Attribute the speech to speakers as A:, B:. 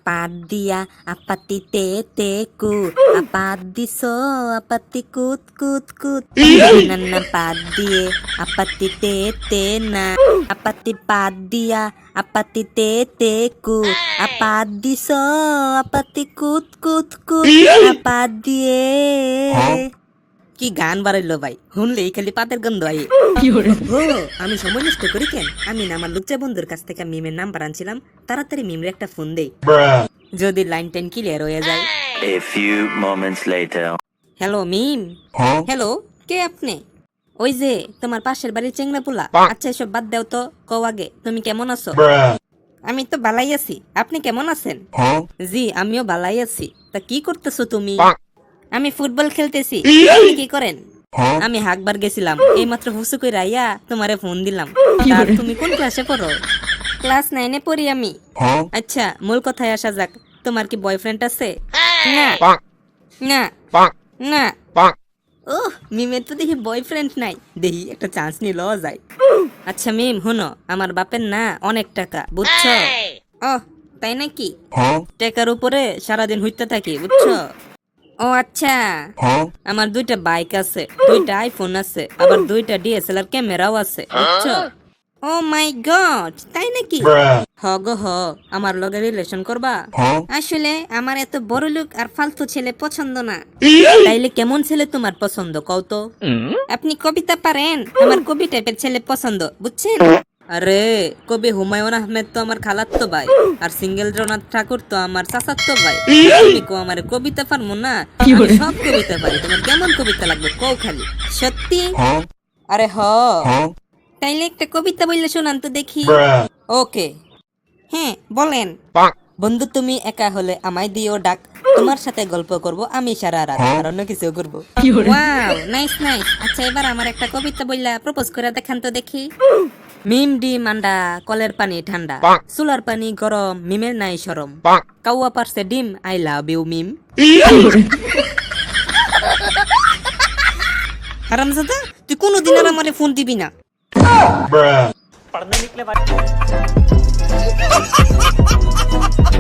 A: Apadia, apatite te ku, apadiso, apati kut kut kut. Nana padie, apatite te na, apati padia, apatite te ku, apadiso, apati kut kut kut, apadie. কি গান বাড়াইলো ভাই, শুনলেই খালি পাতের গন্ধ I. আমি সময় নষ্ট করি কেন? আমি না আমার লুচ্চা বন্ধুর কাছ থেকে মিমের নাম্বার আনছিলাম, তাড়াতাড়ি মিমের একটা ফোন দেই, যদি লাইন টেন ক্লিয়ার হয়ে যায়।
B: A few moments later.
A: Hello Mim. Hello, কে আপনি? ওই যে তোমার পাশের বাড়ির চেংড়া পোলা। আচ্ছা এসব বাদ দাও তো, কও আগে তুমি কেমন আছো? আমি তো ভালাই আছি, আপনি কেমন আছেন? জি আমিও ভালাই আছি। তা কি করতেছো তুমি? আমি ফুটবল খেলতেছি। আপনি কি করেন? আমি হাকবার গেছিলাম, এইমাত্র হুসু কই রাইয়া তোমারে ফোন দিলাম। আর তুমি কোন ক্লাসে পড়ো? ক্লাস 9 এ পড়ি আমি। আচ্ছা মূল কথায় আসা যাক, তোমার কি বয়ফ্রেন্ড আছে? না না না। ওহ মিমের তো দেখি বয়ফ্রেন্ড নাই, দেখি একটা চান্স নিয়ে লওয়া যায়। আচ্ছা মিম হুনো, আমার বাপের না অনেক টাকা, বুঝছো? ও তাই নাকি? টাকার উপরে সারাদিন হইতে থাকি, বুঝছো? ও আচ্ছা, আমার 2টা বাইক আছে, 2টা আইফোন আছে, আবার 2টা ডিএসএলআর ক্যামেরাও আছে, বুঝছো? ও মাই গড, তাই নাকি? হ গো হ, আমার লগে রিলেশন করবা? আসলে আমার এত বড় লোক আর ফালতু ছেলে পছন্দ না। তাইলে কেমন ছেলে তোমার পছন্দ কও তো? আপনি কবিতা পারেন? আমার কবি টাইপের ছেলে পছন্দ, বুঝছেন? আরে কবি হুমায়ুন আহমেদ তো আমার খালাতো ভাই, আর সিঙ্গেলরনাথ ঠাকুর তো আমার চাচাতো ভাই। তুমি কো আমার কবিতা পারমু না? আমি সব কবিতা পারি, তোমার কেমন কবিতা লাগবে কও খালি। সত্যি? আরে হ। তাইলে একটা কবিতা বললে শোনান তো দেখি। ওকে, হ্যাঁ বলেন। বন্ধু তুমি একা হলে আমায় দিও ডাক, তোমার সাথে গল্প করব আমি সারা রাত, আর অন্য কিছু করব। Wow nice nice. আচ্ছা এবার আমার একটা কবিতা বললা প্রপোজ করে দেখান তো দেখি। মিম ডিম আন্ডা, কলের পানি ঠান্ডা, চুলার পানি গরম, মিমের নাই শরম, কাউয়া পারছে ডিম, আই লাভ ইউ মিম। হারামজাদা, তুই কোনোদিন আর আমারে ফোন দিবি না।
C: पढ़ने निकले